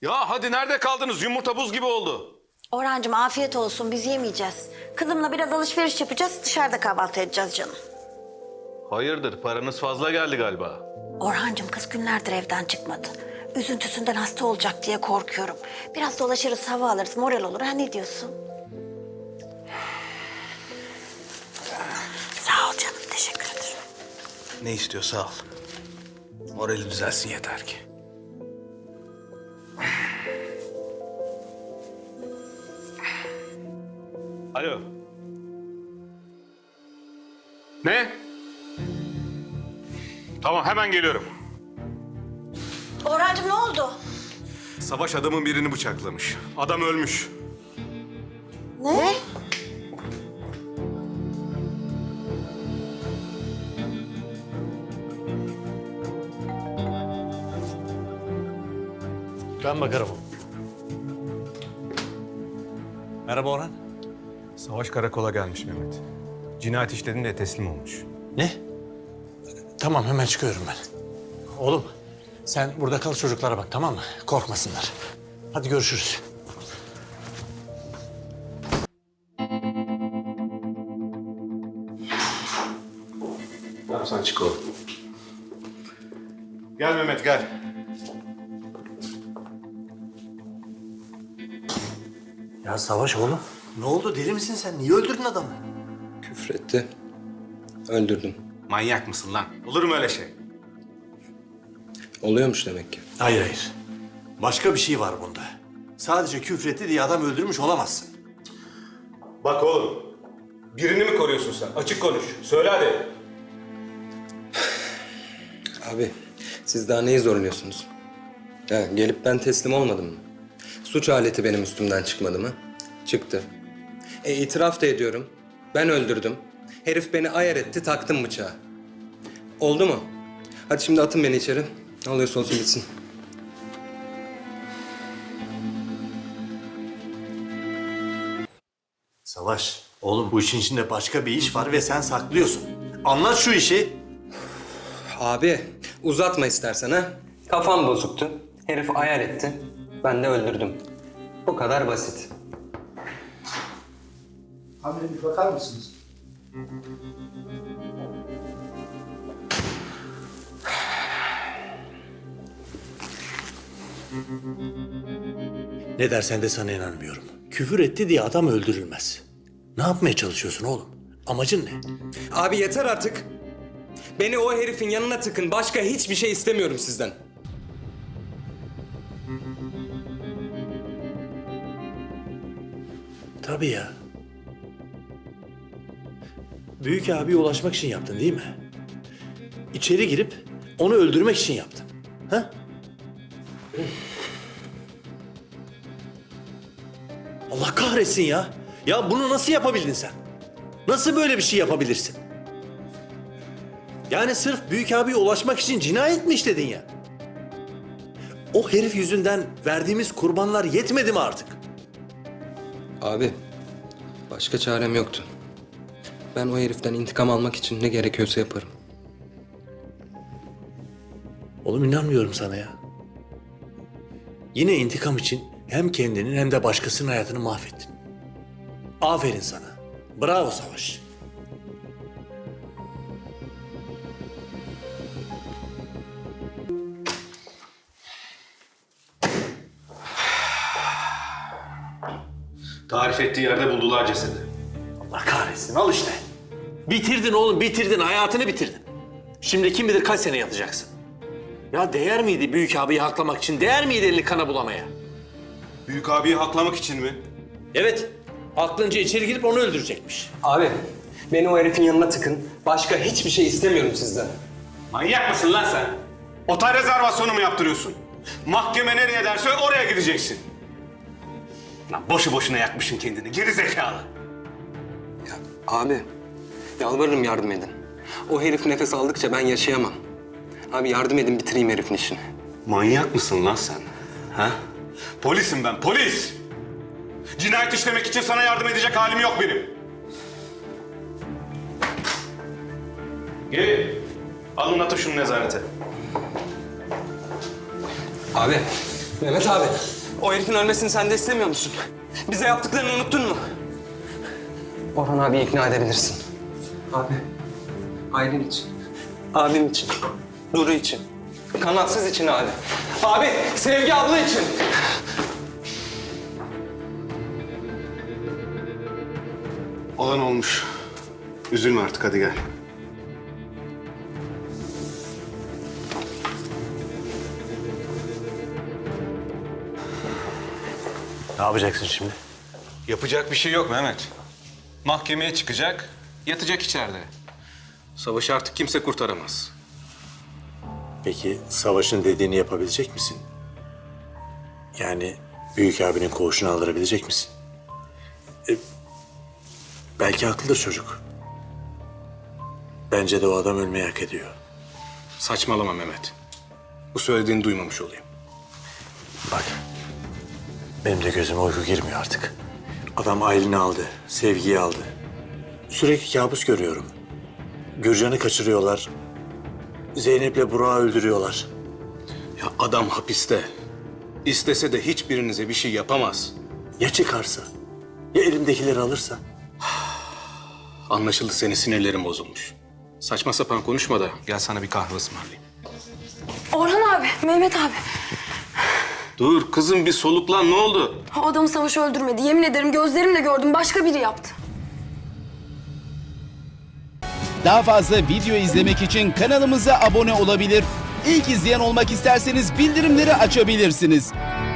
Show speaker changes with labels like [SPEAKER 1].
[SPEAKER 1] Ya hadi nerede kaldınız? Yumurta buz gibi oldu.
[SPEAKER 2] Orhancığım afiyet olsun, biz yemeyeceğiz. Kızımla biraz alışveriş yapacağız, dışarıda kahvaltı edeceğiz canım.
[SPEAKER 1] Hayırdır, paranız fazla geldi galiba.
[SPEAKER 2] Orhancığım kız günlerdir evden çıkmadı. Üzüntüsünden hasta olacak diye korkuyorum. Biraz dolaşırız, hava alırız, moral olur. Ha ne diyorsun? Sağ ol canım, teşekkür ederim.
[SPEAKER 3] Ne istiyorsa al. Morali düzelsin yeter ki.
[SPEAKER 1] Alo. Ne? Tamam, hemen geliyorum.
[SPEAKER 2] Orhancığım ne oldu?
[SPEAKER 1] Savaş adamın birini bıçaklamış. Adam ölmüş.
[SPEAKER 2] Ne?
[SPEAKER 4] Ben bakarım. Merhaba Orhan.
[SPEAKER 5] Savaş karakola gelmiş Mehmet. Cinayet işlediğinde teslim olmuş.
[SPEAKER 4] Ne? Tamam hemen çıkıyorum ben. Oğlum sen burada kal çocuklara bak tamam mı? Korkmasınlar. Hadi görüşürüz.
[SPEAKER 1] Tamam, sen çık oğlum. Gel Mehmet, gel.
[SPEAKER 4] Ya Savaş oğlum. Ne oldu deli misin sen? Niye öldürdün adamı?
[SPEAKER 6] Küfretti. Öldürdüm.
[SPEAKER 1] Manyak mısın lan? Olur mu öyle şey?
[SPEAKER 6] Oluyormuş demek ki.
[SPEAKER 4] Hayır hayır. Başka bir şey var bunda. Sadece küfretti diye adam öldürmüş olamazsın.
[SPEAKER 1] Bak oğlum, birini mi koruyorsun sen? Açık konuş. Söyle hadi.
[SPEAKER 6] Abi siz daha neyi zorluyorsunuz? Ha, gelip ben teslim olmadım mı? Suç aleti benim üstümden çıkmadı mı? Çıktı. İtiraf da ediyorum. Ben öldürdüm. Herif beni ayar etti, taktım bıçağı. Oldu mu? Hadi şimdi atın beni içeri. Ne oluyorsa olsun bitsin.
[SPEAKER 4] Savaş, oğlum bu işin içinde başka bir iş var ve sen saklıyorsun. Anlat şu işi.
[SPEAKER 6] Abi uzatma istersen ha. Kafam bozuktu. Herif ayar etti. Ben de öldürdüm. Bu kadar basit.
[SPEAKER 7] Amirim bir bakar mısınız?
[SPEAKER 4] Ne dersen de sana inanmıyorum. Küfür etti diye adam öldürülmez. Ne yapmaya çalışıyorsun oğlum? Amacın ne?
[SPEAKER 6] Abi yeter artık. Beni o herifin yanına tıkın. Başka hiçbir şey istemiyorum sizden.
[SPEAKER 4] Tabii ya. Büyük abiye ulaşmak için yaptın değil mi? İçeri girip onu öldürmek için yaptın. Ha? Allah kahretsin ya. Ya bunu nasıl yapabildin sen? Nasıl böyle bir şey yapabilirsin? Yani sırf büyük abiye ulaşmak için cinayet mi işledin ya? O herif yüzünden verdiğimiz kurbanlar yetmedi mi artık?
[SPEAKER 6] Abi başka çarem yoktu. Ben o heriften intikam almak için ne gerekiyorsa yaparım.
[SPEAKER 4] Oğlum inanmıyorum sana ya. Yine intikam için hem kendinin hem de başkasının hayatını mahvettin. Aferin sana. Bravo Savaş.
[SPEAKER 1] Tarif ettiği yerde buldular cesedi.
[SPEAKER 4] Allah kahretsin al işte. Bitirdin oğlum bitirdin hayatını bitirdin. Şimdi kim bilir kaç sene yatacaksın. Ya değer miydi büyük abiyi haklamak için? Değer miydi elini kana bulamaya?
[SPEAKER 1] Büyük abiyi haklamak için mi?
[SPEAKER 4] Evet. Aklınca içeri girip onu öldürecekmiş.
[SPEAKER 6] Abi beni o herifin yanına tıkın. Başka hiçbir şey istemiyorum sizden.
[SPEAKER 1] Manyak mısın lan sen? Otel rezervasyonu mu yaptırıyorsun? Mahkeme nereye derse oraya gideceksin. Lan boşu boşuna yakmışsın kendini, geri zekalı.
[SPEAKER 6] Ya abi yalvarırım yardım edin. O herif nefes aldıkça ben yaşayamam. Abi yardım edin bitireyim herifin işini.
[SPEAKER 1] Manyak mısın lan sen? Ha? Polisim ben, polis! Cinayet işlemek için sana yardım edecek halim yok benim. Gelin. Alın atın şunu nezarete.
[SPEAKER 6] Abi Mehmet abi, o herifin ölmesini sen de istemiyor musun? Bize yaptıklarını unuttun mu? Orhan abi ikna edebilirsin. Abi, Aylin için. Abim için. Duru için. Kanatsız için abi. Abi, Sevgi abla için.
[SPEAKER 1] Olan olmuş. Üzülme artık, hadi gel.
[SPEAKER 4] Ne yapacaksın şimdi?
[SPEAKER 5] Yapacak bir şey yok Mehmet. Mahkemeye çıkacak, yatacak içeride.
[SPEAKER 1] Savaşı artık kimse kurtaramaz.
[SPEAKER 4] Peki Savaş'ın dediğini yapabilecek misin? Yani büyük abinin koğuşunu aldırabilecek misin? Belki haklıdır çocuk. Bence de o adam ölmeyi hak ediyor.
[SPEAKER 1] Saçmalama Mehmet. Bu söylediğini duymamış olayım.
[SPEAKER 4] Bak, benim de gözüme uyku girmiyor artık. Adam Aylin'i aldı, Sevgi'yi aldı. Sürekli kabus görüyorum. Gürcan'ı kaçırıyorlar. Zeynep'le Burak'ı öldürüyorlar.
[SPEAKER 1] Ya adam hapiste. İstese de hiçbirinize bir şey yapamaz.
[SPEAKER 4] Ya çıkarsa? Ya elimdekileri alırsa?
[SPEAKER 1] Anlaşıldı, senin sinirlerin bozulmuş. Saçma sapan konuşma da gel sana bir kahve ısmarlayayım.
[SPEAKER 8] Orhan abi, Mehmet abi.
[SPEAKER 1] Dur kızım, bir soluklan, ne oldu?
[SPEAKER 8] O adamı Savaş öldürmedi. Yemin ederim gözlerimle gördüm. Başka biri yaptı.
[SPEAKER 9] Daha fazla video izlemek için kanalımıza abone olabilir. İlk izleyen olmak isterseniz bildirimleri açabilirsiniz.